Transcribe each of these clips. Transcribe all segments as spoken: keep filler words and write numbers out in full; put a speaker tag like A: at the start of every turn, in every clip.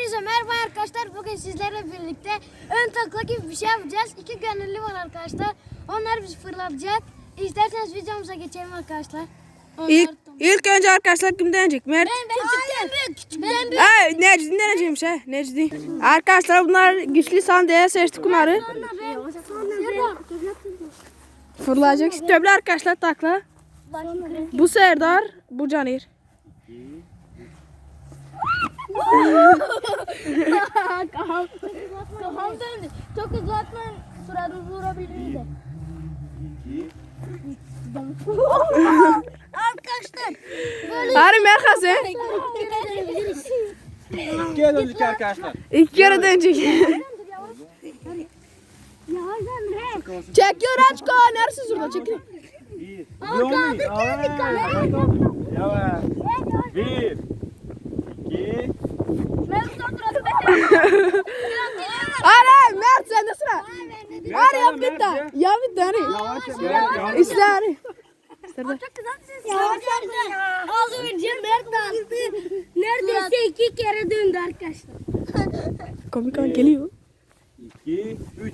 A: Hepinize merhaba arkadaşlar. Bugün sizlerle birlikte ön takla gibi bir şey yapacağız. İki gönüllü var arkadaşlar. Onlar bizi fırlatacak. İsterseniz videomuza geçelim arkadaşlar. Onlar
B: İlk,
A: tam-
B: ilk önce arkadaşlar kim deneyecek? Mert.
A: Ben ben küçükken. Ben büyük.
B: Ha, Necdi deneyeceğimiş ha. Necdi. Arkadaşlar bunlar güçlü sandığa seçtik bunları.
A: Sonra ben. Sonra ben.
B: Fırlayacak. Töble arkadaşlar takla. Bu Serdar, bu Canir.
A: Kafam. Kafam döndü. Çok hızlı atmayın. Suratınızı vurabilirim de. Arkadaşlar. Böyle
B: Hadi Merkez he.
C: İkiye döndük arkadaşlar.
B: İlk kere dönecek. Çekiyor aç ko. Neresi şurada çekiyor.
C: Yomi. Yavaş. Bir. İki.
B: Hadi Mert sen de sıra. Hadi yap bir tane. Yap bir tane.
C: Yavaş yavaş.
B: İşte hadi.
A: Az önce Mert aldı. Neredeyse iki kere döndü arkadaşlar.
B: Komik an geliyor.
C: İki. Üç.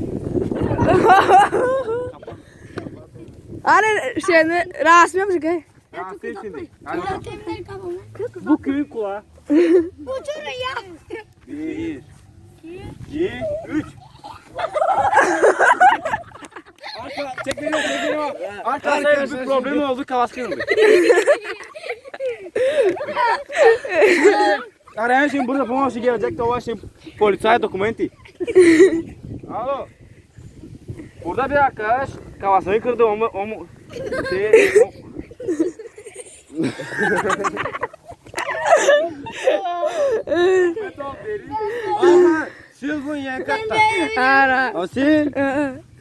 B: Hadi şeyini rasmi yapacak he.
C: Rahatsız şimdi. Hadi.
A: Temizler kafamı.
C: Bu köyün kulağı.
A: Uçurun ya.
C: Bir. İki. Üç. Arka çek veriyor çek veriyor. Arkadaşlar bir problem oldu kavas kırıldı. Arayan şimdi burada pomosu gelecek de o şimdi polisaya dokumenti. Alo. Burada bir arkadaş kavasını kırdı o mu o mu şey o... Aha, Silvun yan katta.
B: Ara.
C: Asil.
B: Ee,